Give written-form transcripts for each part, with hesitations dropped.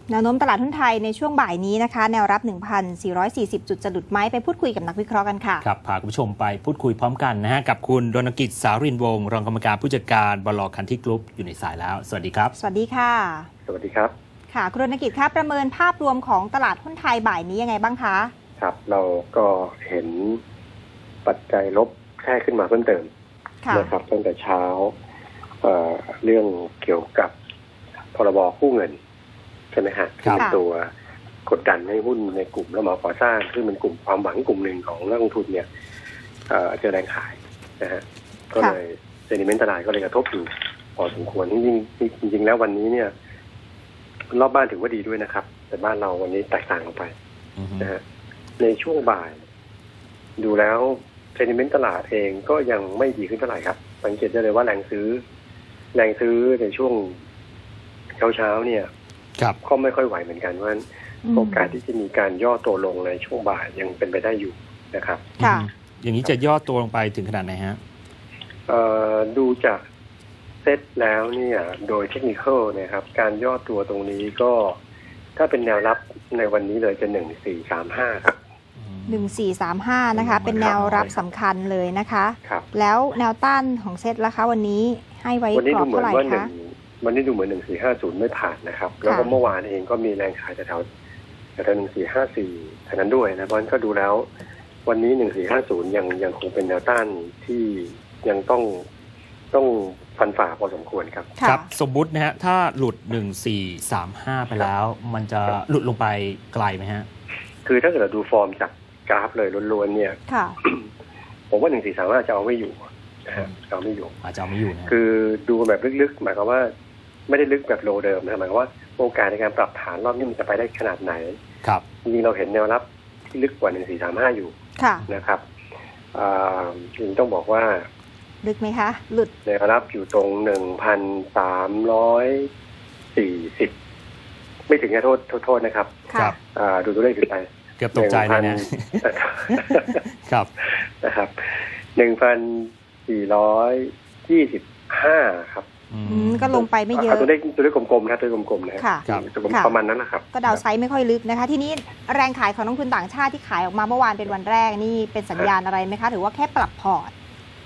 แนวโน้มตลาดหุ้นไทยในช่วงบ่ายนี้นะคะแนวรับ 1,440 จุดจะหลุดไหมไปพูดคุยกับนักวิเคราะห์กันค่ะครับพาคุณผู้ชมไปพูดคุยพร้อมกันนะฮะกับคุณรณกิจ สารินวงศ์รองกรรมการผู้จัดการบล.คันที่กรุ๊ปอยู่ในสายแล้วสวัสดีครับสวัสดีค่ะสวัสดีครับค่ะคุณรณกิจครับประเมินภาพรวมของตลาดหุ้นไทยบ่ายนี้ยังไงบ้างคะครับเราก็เห็นปัจจัยลบแค่ขึ้นมาเพิ่มเติมนะครับตั้งแต่เช้าเรื่องเกี่ยวกับพรบกู้เงินใช่ไหมฮะที่เป็นตัวกดดันให้หุ้นในกลุ่มรับเหมาก่อสร้างซึ่งเป็นกลุ่มความหวังกลุ่มหนึ่งของนักลงทุนเนี่ยเจอแรงขายนะฮะก็เลยเซนิเมนต์ตลาดก็เลยกระทบอยู่พอสมควรจริงแล้ววันนี้เนี่ยรอบบ้านถือว่าดีด้วยนะครับแต่บ้านเราวันนี้แตกต่างออกไปนะฮะในช่วงบ่ายดูแล้วเซนิเมนต์ตลาดเองก็ยังไม่ดีขึ้นเท่าไหร่ครับสังเกตได้เลยว่าแรงซื้อในช่วงเช้าเนี่ยก็ไม่ค่อยไหวเหมือนกันว่าโอกาสที่จะมีการย่อตัวลงในช่วงบ่ายยังเป็นไปได้อยู่นะครับอย่างนี้จะย่อตัวลงไปถึงขนาดไหนฮะดูจากเซตแล้วเนี่ยโดยเทคนิคนะครับการย่อตัวตรงนี้ก็ถ้าเป็นแนวรับในวันนี้เลยจะ1435ครับ 1435นะคะเป็นแนวรับสำคัญเลยนะคะแล้วแนวต้านของเซตล่ะคะวันนี้ให้ไว้กรอบเท่าไหร่คะวันนี้ดูเหมือน1450ไม่ผ่านนะครับแล้วก็เมื่อวานเองก็มีแรงขายแถว1454เท่านั้นด้วยนะเพราะฉะนั้นก็ดูแล้ววันนี้1450ยังคงเป็นแนวต้านที่ยังต้องฟันฝ่าพอสมควรครับครับสมมุตินะฮะถ้าหลุด1435ไปแล้วมันจะหลุดลงไปไกลไหมฮะคือถ้าเกิดเราดูฟอร์มจากกราฟเลยล้วนๆเนี่ยผมว่า1435จะเอาไม่อยู่นะฮะเอาไม่อยู่อาจจะเอาไม่อยู่นะคือดูแบบลึกๆหมายความว่าไม่ได้ลึกแบบโลเดิมนะหมายความว่าโอกาสในการปรับฐานรอบนี้มันจะไปได้ขนาดไหนครับจริงๆเราเห็นแนวรับที่ลึกกว่า1435อยู่นะครับจริงต้องบอกว่าลึกไหมคะหลุดแนวรับอยู่ตรง1,340ไม่ถึงโทษนะครับดูตัวเลขขึ้นไปเกือบตกใจเลยนะ ครับนะครับ1,425ครับก็ลงไปไม่เยอะตัวเลขกลมๆนะตัวเลขกลมๆนะครับประมาณนั้นนะครับก็เดาไซส์ไม่ค่อยลึกนะคะทีนี้แรงขายของนักลงทุนต่างชาติที่ขายออกมาเมื่อวานเป็นวันแรกนี่เป็นสัญญาณอะไรไหมคะหรือว่าแค่ปรับพอร์ต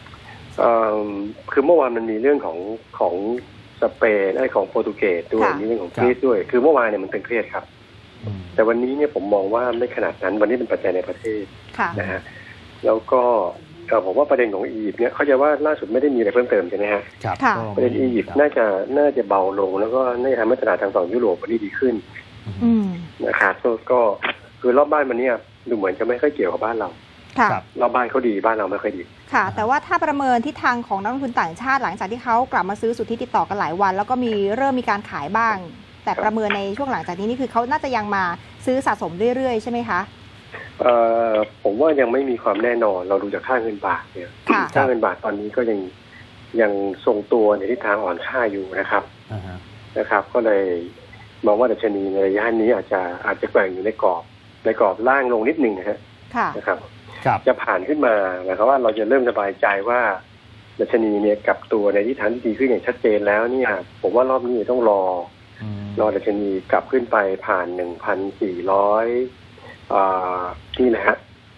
คือเมื่อวานมันมีเรื่องของสเปนของโปรตุเกสด้วยมีเรื่องของกรีซด้วยคือเมื่อวานเนี่ยมันเป็นเครียดครับแต่วันนี้เนี่ยผมมองว่าไม่ขนาดนั้นวันนี้เป็นปัจจัยในประเทศนะฮะแล้วก็ผมว่าประเด็นของอียิปต์เนี่ยเขาจะว่าล่าสุดไม่ได้มีอะไรเพิ่มเติมใช่ไหมฮะประเด็นอียิปต์น่าจะเบาลงแล้วก็น่าจะทำให้ตลาดทางฝั่งยุโรปวันนี้ดีขึ้นนะครับก็คือรอบบ้านมันเนี่ยดูเหมือนจะไม่ค่อยเกี่ยวกับบ้านเรารอบบ้านเขาดีบ้านเราไม่ค่อยดีค่ะแต่ว่าถ้าประเมินทิศทางของนักลงทุนต่างชาติหลังจากที่เขากลับมาซื้อสุทธิติดต่อกันหลายวันแล้วก็เริ่มมีการขายบ้างแต่ประเมินในช่วงหลังจากนี้นี่คือเขาน่าจะยังมาซื้อสะสมเรื่อยๆใช่ไหมคะผมว่ายังไม่มีความแน่นอนเราดูจากค่าเงินบาทเนี่ยค่าเงินบาทตอนนี้ก็ยังทรงตัวในทิศทางอ่อนค่าอยู่นะครับนะครับก็เลยมองว่าดัชนีในระยะนี้อาจจะแกว่งอยู่ในกรอบล่างลงนิดนึงนะครับจะผ่านขึ้นมาหมายความว่าเราจะเริ่มสบายใจว่าดัชนีเนี่ยกับตัวในทิศทางที่ดีขึ้นอย่างชัดเจนแล้วเนี่ยผมว่ารอบนี้ต้องรอดัชนีกลับขึ้นไปผ่าน 1,400นี่นะฮะ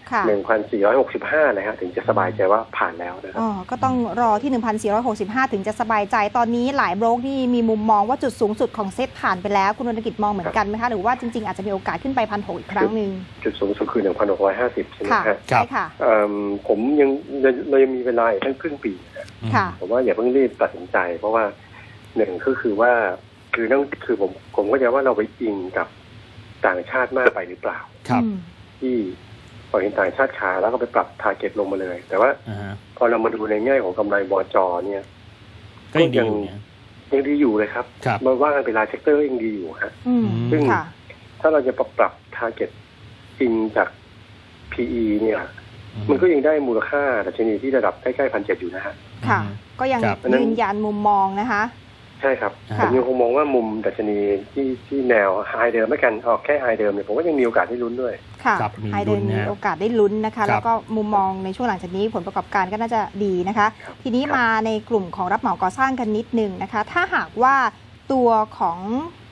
1,465นะฮะถึงจะสบายใจว่าผ่านแล้วนะครับก็ต้องรอที่ 1,465 ถึงจะสบายใจตอนนี้หลายโบรกที่มีมุมมองว่าจุดสูงสุดของเซ็ตผ่านไปแล้วคุณรณกิจมองเหมือนกันไหมคะหรือว่าจริงๆอาจจะมีโอกาสขึ้นไป 1,600 อีกครั้งหนึ่งจุดสูงสุดคือ 1,650 ใช่ไหมครับใช่ค่ะผมเรายังมีเวลาอีกตั้งครึ่งปีผมว่าอย่าเพิ่งรีบตัดสินใจเพราะว่าหนึ่งก็คือว่าคือผมก็จะว่าเราไปอิงกับต่างชาติมากไปหรือเปล่าที่พอเห็นต่างชาติขายแล้วก็ไปปรับทาร์เก็ตลงมาเลยแต่ว่าพอเรามาดูในแง่ของกำไรบจ.เนี่ยก็ยังดีอยู่เลยครับมาว่ากันเป็นรายเซกเตอร์ยังดีอยู่ฮะซึ่งถ้าเราจะปรับทาร์เก็ตอิงจาก PE เนี่ยมันก็ยังได้มูลค่าดัชนีที่ระดับใกล้ๆ 1,700 อยู่นะฮะค่ะก็ยังยืนยันมุมมองนะคะใช่ครับผมยังคงมองว่ามุมดัชนีที่แนวไฮเดิมไม่กันออกแค่ไฮเดิมเนี่ยผมก็ยังมีโอกาสได้ลุ้นด้วยค่ะไฮเดิมมีโอกาสได้ลุ้นนะคะแล้วก็มุมมองในช่วงหลังจากนี้ผลประกอบการก็น่าจะดีนะคะทีนี้มาในกลุ่มของรับเหมาก่อสร้างกันนิดนึงนะคะถ้าหากว่าตัวของ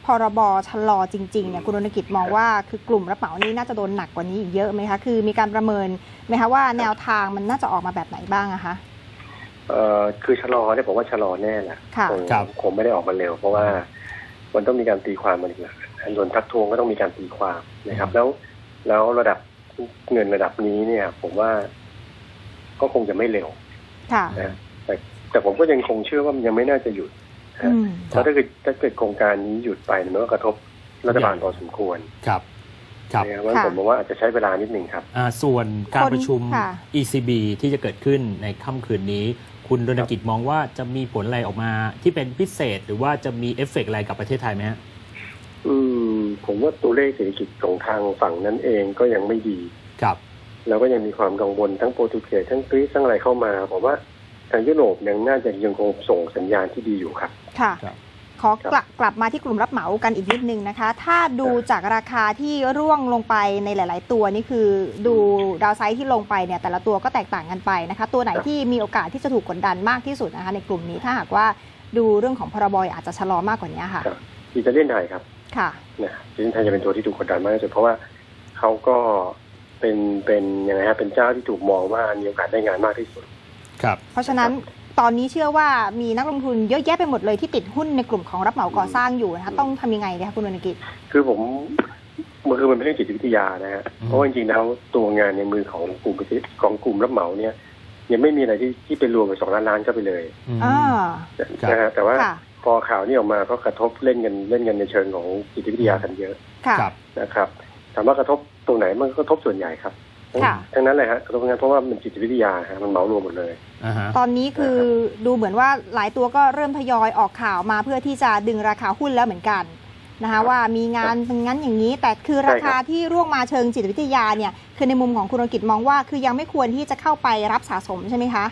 พรบชะลอจริงๆเนี่ยคุณรณกิจมองว่าคือกลุ่มรับเหมานี้น่าจะโดนหนักกว่านี้อีกเยอะไหมคะคือมีการประเมินไหมคะว่าแนวทางมันน่าจะออกมาแบบไหนบ้างอะคะคือชะลอเนี่ยผมว่าชะลอแน่แหละค่ะคงไม่ได้ออกมาเร็วเพราะว่ามันต้องมีการตีความมันอีกนะส่วนทักทวงก็ต้องมีการตีความนะครับแล้วระดับเงินระดับนี้เนี่ย ผมว่าก็คงจะไม่เร็วค่ะนะแต่ผมก็ยังคงเชื่อว่ามันยังไม่น่าจะหยุดเพราะถ้าเกิดโครงการนี้หยุดไปมันก็กระทบรัฐบาลพอสมควรครับเพราะผมมองว่าอาจจะใช้เวลานิดนึงครับส่วนการประชุม ECB ที่จะเกิดขึ้นในค่ำคืนนี้คุณรณกิจมองว่าจะมีผลอะไรออกมาที่เป็นพิเศษหรือว่าจะมีเอฟเฟกต์อะไรกับประเทศไทยไหมฮะผมว่าตัวเลขเศรษฐกิจของทางฝั่งนั้นเองก็ยังไม่ดีครับแล้วก็ยังมีความกังวลทั้งโปรตุเกสทั้งกรีซทั้งอะไรเข้ามาผมว่าทางยุโรปยังคงส่งสัญญาณที่ดีอยู่ครับค่ะขอกลับมาที่กลุ่มรับเหมากันอีกนิดนึงนะคะถ้าดูจากราคาที่ร่วงลงไปในหลายๆตัวนี่คือดูดาวไซด์ที่ลงไปเนี่ยแต่ละตัวก็แตกต่างกันไปนะคะตัวไหนที่มีโอกาสที่จะถูกกดดันมากที่สุดนะคะในกลุ่มนี้ถ้าหากว่าดูเรื่องของพรบอาจจะชะลอมากกว่านี้ค่ะอิตาเลียนไทยครับค่ะอิตาเลียนไทยจะเป็นตัวที่ถูกกดดันมากที่สุดเพราะว่าเขาก็เป็นยังไงฮะเป็นเจ้าที่ถูกมองว่ามีโอกาสได้งานมากที่สุดครับเพราะฉะนั้นตอนนี้เชื่อว่ามีนักลงทุนเยอะแยะไปหมดเลยที่ติดหุ้นในกลุ่มของรับเหมาก่อสร้างอยู่นะคะต้องทำยังไงดีคะคุณวรรณกิจคือมันเป็นเรื่องจิตวิทยานะฮะเพราะว่าจริงๆแล้วตัวงานในมือของกลุ่มรับเหมาเนี่ยยังไม่มีอะไรที่เป็นรวมไป2 ล้านก็ไปเลยนะฮะแต่ว่าพอข่าวนี้ออกมาก็กระทบเล่นกันในเชิงของจิตวิทยากันเยอะนะครับถามว่ากระทบตรงไหนมันก็กระทบส่วนใหญ่ครับทั้งนั้นเลยฮะกระทบงานเพราะว่ามันจิตวิทยาฮะมันเหมารวมหมดเลยตอนนี้คือดูเหมือนว่าหลายตัวก็เริ่มทยอยออกข่าวมาเพื่อที่จะดึงราคาหุ้นแล้วเหมือนกันนะคะว่ามีงานเป็นงั้นอย่างนี้แต่คือราคาที่ร่วงมาเชิงจิตวิทยาเนี่ยคือในมุมของคุณรณกิจมองว่าคือยังไม่ควรที่จะเข้าไปรับสะสมใช่ไหมคะ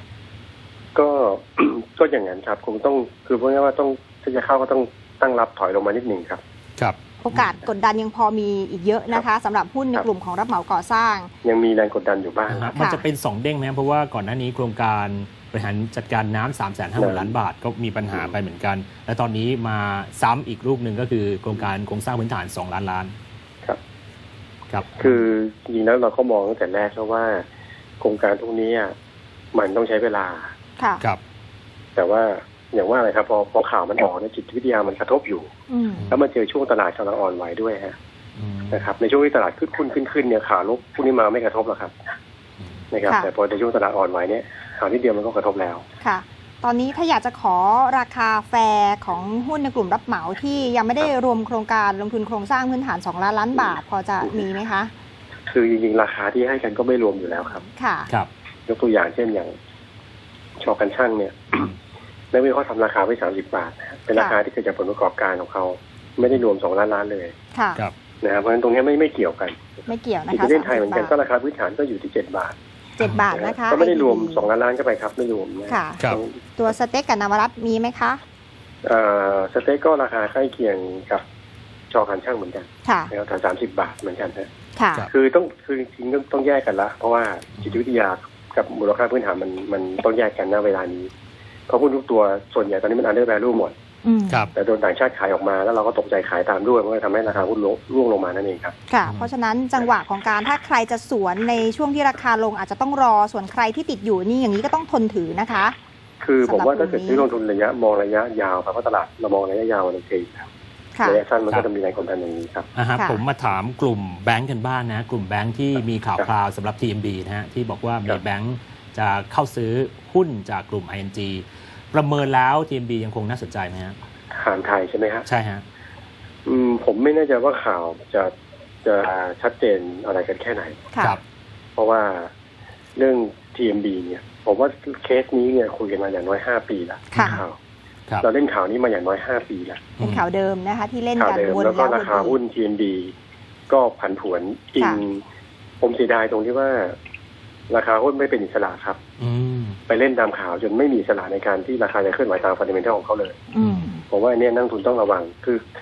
ก็อย่างนั้นครับคงต้องคือพูดง่ายๆว่าต้องถ้าจะเข้าก็ต้องตั้งรับถอยลงมานิดนึงครับโอกาสกดดันยังพอมีอีกเยอะนะคะสำหรับหุ้นในกลุ่มของรับเหมาก่อสร้างยังมีแรงกดดันอยู่บ้างมันจะเป็น2 เด้งไหมเพราะว่าก่อนหน้านี้โครงการบริหารจัดการน้ำ350,000 ล้านบาทก็มีปัญหาไปเหมือนกันและตอนนี้มาซ้ำอีกรูปหนึ่งก็คือโครงการโครงสร้างพื้นฐาน2 ล้านครับคือจริงๆแล้วเราก็มองตั้งแต่แรกแล้วว่าโครงการพวกนี้มันต้องใช้เวลาครับแต่ว่าอย่างว่าอะไรครับพอข่าวมันออกเนี่ยจิตวิทยามันกระทบอยู่แล้วมาเจอช่วงตลาดกำลังอ่อนไหวด้วยฮะนะครับในช่วงที่ตลาดขึ้นเนี่ยข่าวลบพวกนี้มาไม่กระทบหรอกครับนะครับแต่พอในช่วงตลาดอ่อนไหวเนี่ยข่าวนิดเดียวมันก็กระทบแล้วค่ะตอนนี้ถ้าอยากจะขอราคาแฟร์ของหุ้นในกลุ่มรับเหมาที่ยังไม่ได้รวมโครงการลงทุนโครงสร้างพื้นฐาน2 ล้านบาทพอจะมีไหมคะคือจริงๆราคาที่ให้กันก็ไม่รวมอยู่แล้วครับค่ะยกตัวอย่างเช่นอย่างชอกันช่างเนี่ยนักวิเคราะห์ทำราคาไว้30 บาทเป็นราคาที่เกิดจากผลประกอบการของเขาไม่ได้รวม2 ล้านเลยค่ะนะครับเพราะฉะนั้นตรงนี้ไม่เกี่ยวกันไม่เกี่ยวนะคะที่ประเทศไทยเหมือนกันก็ราคาพื้นฐานก็อยู่ที่7 บาทนะคะก็ไม่ได้รวม2 ล้านก็ไปครับไม่รวมค่ะตัวสเต็กกับนวรัตน์มีไหมคะสเต็กก็ราคาใกล้เคียงกับชอกันช่างเหมือนกันแล้วแถว30 บาทเหมือนกันค่ะคือจริงๆต้องแยกกันละเพราะว่าจิตวิทยากับมูลค่าพื้นฐานมันต้องแยกกันณเวลานี้เพราะหุ้นทุกตัวส่วนใหญ่ตอนนี้มันอันเดอร์แวลูหมดแต่โดนต่างชาติขายออกมาแล้วเราก็ตกใจขายตามด้วยมันก็ทำให้ราคาหุ้นร่วงลงมานั่นเองครับค่ะเพราะฉะนั้นจังหวะของการถ้าใครจะสวนในช่วงที่ราคาลงอาจจะต้องรอส่วนใครที่ติดอยู่นี่อย่างนี้ก็ต้องทนถือนะคะคือผมว่าถ้าเกิดซื้อลงทุนมองระยะยาวครับเพราะตลาดเรามองระยะยาวในเทรดระยะสั้นมันก็จะมีแรงกดดันอย่างนี้ครับผมมาถามกลุ่มแบงก์กันบ้างนะกลุ่มแบงก์ที่มีข่าวคราวสำหรับ TMB นะฮะที่บอกว่ามีแบงก์จะเข้าซื้อหุ้นจากกลุ่ม ING ประเมินแล้ว TMB ยังคงน่าสนใจไหมฮะหารไทยใช่ไหมฮะใช่ฮะผมไม่แน่ใจว่าข่าวจะชัดเจนอะไรกันแค่ไหนครับเพราะว่าเรื่อง TMB เนี่ยผมว่าเคสนี้เนี่ยคุยกันมาอย่างน้อย5 ปีแล้วข่าวเราเล่นข่าวนี้มาอย่างน้อย5 ปีแล้วเป็นข่าวเดิมนะคะที่เล่นกันวนแล้วก็ราคาหุ้น TMB ก็ผันผวนผมเสียดายตรงที่ว่าราคาหุ้นไม่เป็นอิสระครับไปเล่นตามข่าวจนไม่มีอิสระในการที่ราคาจะเคลื่อนไหวตามฟันเดเมนทัลของเขาเลยผมว่าเนี่ยนักลงทุนต้องระวังคือ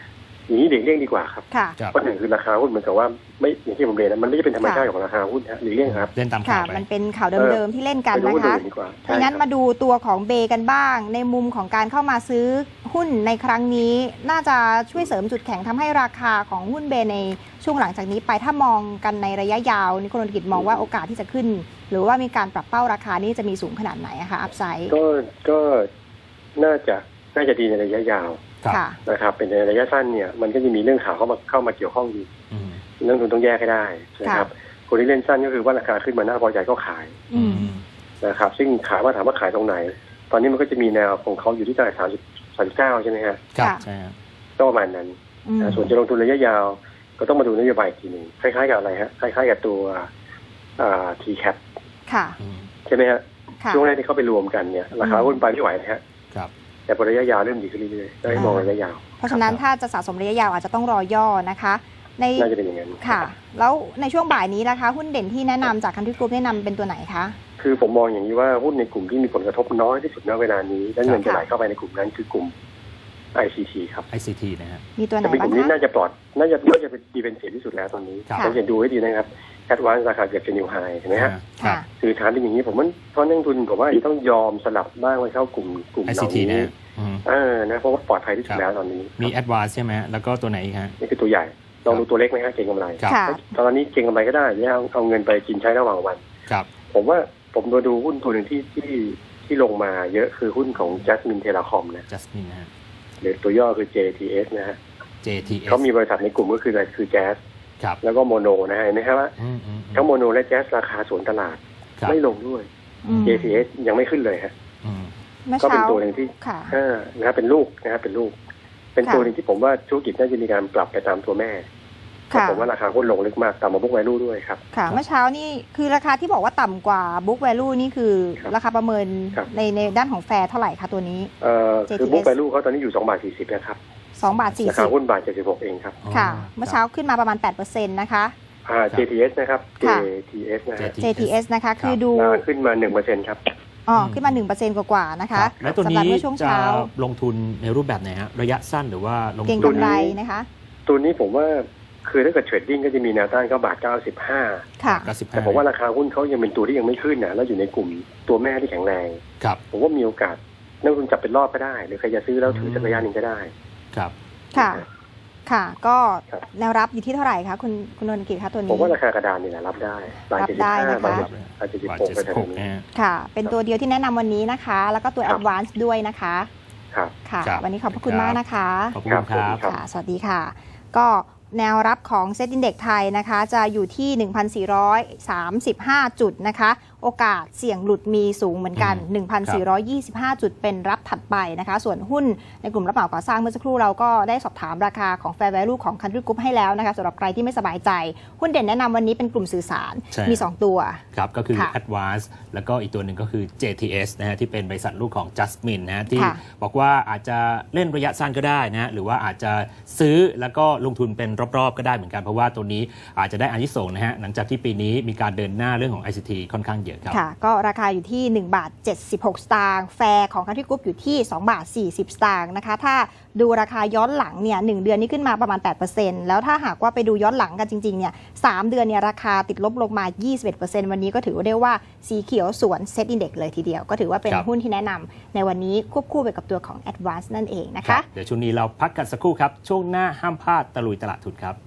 อย่างนี้หลีกเลี่ยงดีกว่าครับค่ะครับเพราะหนึ่งคือราคาหุ้นเหมือนกับว่าไม่อย่างที่ผมเรียนนะมันไม่ใช่เป็นธรรมชาติของราคาหุ้นนะหลีกเลี่ยงครับเล่นตามค่ะข่าวไปมันเป็นข่าวเดิมๆที่เล่นกันไปดูนะหุ้นคะอื่นดีกว่าดังนั้นใช่ครับมาดูตัวของเบกันบ้าง ในมุมของการเข้ามาซื้อหุ้นในครั้งนี้ น่าจะช่วยเสริมจุดแข็งทำให้ราคาของหุ้นเบในช่วงหลังจากนี้ไปถ้ามองกันในระยะยาวนี่คุณธนกิจมองว่าโอกาสที่จะขึ้น หรือว่ามีการปรับเป้าราคานี้จะมีสูงขนาดไหนอะคะอัพไซด์ก็น่าจะดีในระยะยาวครับค่ะนะครับเป็นในระยะสั้นเนี่ยมันก็จะมีเรื่องข่าวเข้ามาเกี่ยวข้องอยู่อืมนักลงทุนต้องแยกให้ได้นะครับคนที่เล่นสั้นก็คือว่าราคาขึ้นมาน่าพอใจก็ขายอืมนะครับซึ่งถามว่าขายตรงไหน ตอนนี้มันก็จะมีแนวของเขาอยู่ที่ตลาด39ใช่ไหมฮะครับค่ะใช่ครับก็ประมาณนั้นอืมนะส่วนจะลงทุนระยะยาว ก็ต้องมาดูนโยบายอีกทีหนึ่งคล้ายๆกับอะไรฮะคล้ายๆกับตัวTCAP ค่ะอืมใช่ไหมฮะค่ะช่วงแรกที่เขาไปรวมกันเนี่ยราคาหุ้นไปไม่ไหวนะฮะครับแต่พอระยะยาวเริ่มดีขึ้นเรื่อยๆก็ให้มองระยะยาวเพราะฉะนั้นถ้าจะสะสมระยะยาวอาจจะต้องรอย่อนะคะ ในน่าจะเป็นอย่างนั้นค่ะ แล้วในช่วงบ่ายนี้นะคะหุ้นเด่นที่แนะนำจากคันทรีกรุ๊ปแนะนำเป็นตัวไหนคะคือผมมองอย่างนี้ว่าหุ้นในกลุ่มที่มีผลกระทบน้อยที่สุดณเวลานี้และเงินจะไหลค่ะเข้าไปในกลุ่มนั้นคือกลุ่ม ICT ครับ ICT นะฮะมีตัวไหนจะเป็นกบ้างลุ่มนี้คะน่าจะเป็นดีเป็นเสียที่สุดแล้วตอนนี้ครับสังเกตดูให้ดีนะครับแอดวานซ์ราคาเกือบจะนิวไฮเห็นไหมฮะครัค่ะบคือฐานเป็นอย่างนี้ผมว่าเพราะนักลงทุนผมว่าจะต้องยอมสลับบ้างไปเข้ากลุ่มเหล่า ICT นะนี้ฮะอืมนะเพราะว่าปลอดภัยที่สุดแล้วตอนนี้มี Advance ใช่ไหมฮะแล้วก็ตัวไหนอีกฮะนี่คือตัวใหญ่ลองดูตัวเล็กไหมฮะเก็งกำไรครับค่ะตอนนี้เก็งกำไรก็ได้เนี่ยเอาเงินไปกินใช้ระหว่างวันครับผมว่าผมมาดูหุ้นตัวหนึ่งที่ลงมาเยอะคือหุ้นของ Jasmine Telecom นะ Jasmine นะฮะหรือตัวย่อคือ JTS นะฮะ JTS เขามีบริษัทในกลุ่มก็คืออะไรคือ Jazz ครับแล้วก็โมโนนะฮะเห็นไหมครับว่าอืมอืมทั้งโมโนและ Jazz ราคาสวนตลาดครับไม่ลงด้วยอืม JTS ยังไม่ขึ้นเลยฮะอืมเมื่อก็เป็นเช้าตัวหนึ่งที่ค่ะนะครับเป็นลูกนะครับเป็นลูก เป็นค่ะตัวหนึ่งที่ผมว่าธุรกิจน่าจะมีการปรับไปตามตัวแม่เพราะค่ะผมว่าราคาหุ้นลงลึกมากต่ำกว่า book value ด้วยครับค่ะ เมื่อเช้านี่คือราคาที่บอกว่าต่ำกว่า book value นี่คือครับราคาประเมินครับในด้านของแฟร์เท่าไหร่คะตัวนี้คือ JTS book value เขาตอนนี้อยู่2 บาท 40นะครับ 2 บาทราคาหุ้นบาท 76เองครับ 40 ค่ะ เมื่อเช้าขึ้นมาประมาณ 8%นะคะ JTS นะครับค่ะ JTS นะฮะ JTS นะคะ คือดูราคาขึ้นมา 1%ครับขึ้นมา 1%กว่าๆนะคคะรับแล้วตัวสำหรับนี้เมื่อช่วงจะเช้าลงทุนในรูปแบบไหนฮะระยะสั้นหรือว่าลงเก่งทุนกำไรนะคะตัวนี้ผมว่าคือถ้าเกิดเทรดดิ้งก็จะมีแนวต้านก็บาท 95 ค่ะ 95 แต่ผมว่าราคาหุ้นเขายังเป็นตัวที่ยังไม่ขึ้นนะแล้วอยู่ในกลุ่มตัวแม่ที่แข็งแรงครับผมว่ามีโอกาสนักลงทุนจับเป็นรอบก็ได้ หรือใครจะซื้อแล้วถือสักระยะหนึ่งก็ได้ครับค่ะ ค่ะ ก็ครับแนวรับอยู่ที่เท่าไหร่คะคุณนนท์กิจคะตัวนี้ผมว่าราคากระดานนี่แหละรับได้บาทรับได้นะคะบาทบาท 76ไปแถว 76 นี้นะฮะค่ะ เป็นตัวเดียวที่แนะนำวันนี้นะคะ แล้วก็ตัวครับ Advance ด้วยนะคะครับค่ะครับวันนี้ขอบพระคุณครับมากนะคะขอบคุณครับครับครับค่ะ สวัสดีค่ะ ก็แนวรับของเซ็ตอินเด็กซ์ไทยนะคะ จะอยู่ที่ 1,435 จุดนะคะ โอกาสเสี่ยงหลุดมีสูงเหมือนกัน 1,425 จุดเป็นรับถัดไปนะคะ ส่วนหุ้นในกลุ่มรับเหมาก่อสร้างเมื่อสักครู่เราก็ได้สอบถามราคาของ Fair Value ของ Country Group ให้แล้วนะคะสำหรับใครที่ไม่สบายใจ หุ้นเด่นแนะนำวันนี้เป็นกลุ่มสื่อสารใช่มี 2 ตัวครับก็คือค่ะ Advance แล้วก็อีกตัวหนึ่งก็คือ JTS นะฮะที่เป็นบริษัทลูกของ Jasmine นะฮะที่ค่ะบอกว่าอาจจะเล่นระยะสั้นก็ได้นะฮะหรือว่าอาจจะซื้อแล้วก็ลงทุนเป็นรอบๆก็ได้เหมือนกัน เพราะว่าตัวนี้อาจจะได้อานิสงส์นะฮะหลังจากที่ปีนี้มีการเดินหน้าเรื่องของ ICT ค่อนข้างเยอะครับค่ะ ก็ราคาอยู่ที่1บาท76 สตางค์แฟร์ของ Country Group อยู่ที่2บาท40 สตางค์นะคะ ถ้าดูราคาย้อนหลังเนี่ย1เดือนนี้ขึ้นมาประมาณ 8% แล้วถ้าหากว่าไปดูย้อนหลังกันจริงๆเนี่ย3เดือนเนี่ยราคาติดลบลงมา 21% วันนี้ก็ถือว่าได้ว่าสีเขียวสวนเซ็ตอินเด็กซ์เลยทีเดียว ก็ถือว่าเป็นครับหุ้นที่แนะนำในวันนี้ควบคู่ไปกับตัวของ Advance นั่นเองนะครัคะบเดี๋ยวช่วงนี้เราพักกันสักครู่ครับช่วงหน้าห้ามพลาดตะลุยตลาดทุนครับ